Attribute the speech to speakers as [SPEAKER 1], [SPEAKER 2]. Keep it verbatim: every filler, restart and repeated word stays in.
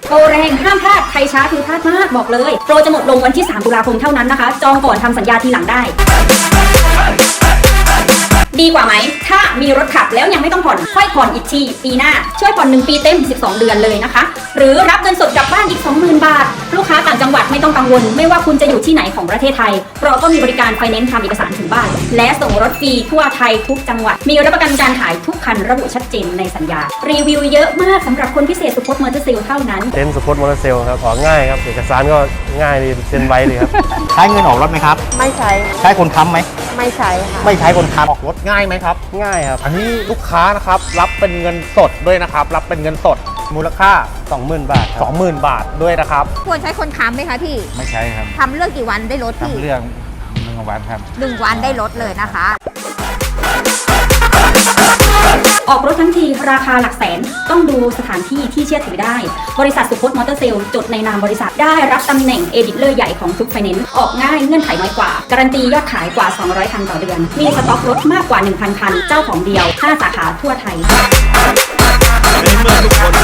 [SPEAKER 1] โปรแรงห้ามพลาดใครช้าคือพลาดมากบอกเลยโปรจะหมดลงวันที่สามตุลาคมเท่านั้นนะคะจองก่อนทำสัญญาทีหลังได้ดีกว่าไหมถ้ามีรถขับแล้วยังไม่ต้องผ่อนค่อยผ่อนอีกทีปีหน้าช่วยผ่อนหนึ่งปีเต็มสิบสองเดือนเลยนะคะหรือรับเงินสดกลับบ้านอีก สองหมื่น บาทลูกค้าต่างจังหวัดไม่ต้องกังวลไม่ว่าคุณจะอยู่ที่ไหนของประเทศไทยเราก็มีบริการไฟแนนซ์ทำเอกสารถึงบ้านและส่งรถฟรีทั่วไทยทุกจังหวัดมีรับประกันการขายทุกคันระบุชัดเจนในสัญญารีวิวเยอะมากสำหรับคนพิเศษสุพจน์มอเตอร์เซลเท่านั้น
[SPEAKER 2] เซ็นสุพจน์มอเตอร์เซลครับออกง่ายครับเอกสารก็ง่ายดีเซ็นไวเลยครับ
[SPEAKER 3] ใช้เงินออกรถไหมครับ
[SPEAKER 4] ไม่ใช้
[SPEAKER 3] ใช้คนค้ำไหม
[SPEAKER 4] ไม่ใช้ค่ะ
[SPEAKER 3] ไม่ใช้คนค้ำ
[SPEAKER 5] ออกรถง่ายไหมครับ
[SPEAKER 2] ง่ายครับ
[SPEAKER 5] อันนี้ลูกค้านะครับรับเป็นเงินสดด้วยนะครับรับเป็นเงินสดมูลค่า
[SPEAKER 2] สองหมื่น บาทครับ
[SPEAKER 5] สองหมื่น บาทด้วยนะครับ
[SPEAKER 6] ควรใช้คนค้ำไหมคะพี่
[SPEAKER 7] ไม่ใช้ครับ
[SPEAKER 6] ทำเรื่องกี่วันได้ลดพี่
[SPEAKER 7] ทำเรื่องหนึ่งวันครับ
[SPEAKER 6] หนึ่งวันได้ลดเลยนะคะ
[SPEAKER 1] ออกรถทั้งทีราคาหลักแสนต้องดูสถานที่ที่เชื่อถือได้บริษัทสุพจน์มอเตอร์เซลจดในนามบริษัทได้รับตำแหน่งเอดิเลอร์ใหญ่ของทุกไฟแนนซ์ออกง่ายเงื่อนไขน้อยกว่าการันตียอดขายกว่าสองร้อยคันต่อเดือนมีสต็อกรถมากกว่า หนึ่งพัน คันเจ้าของเดียวห้าสาขาทั่วไทย
[SPEAKER 8] ในเมื่อทุกคน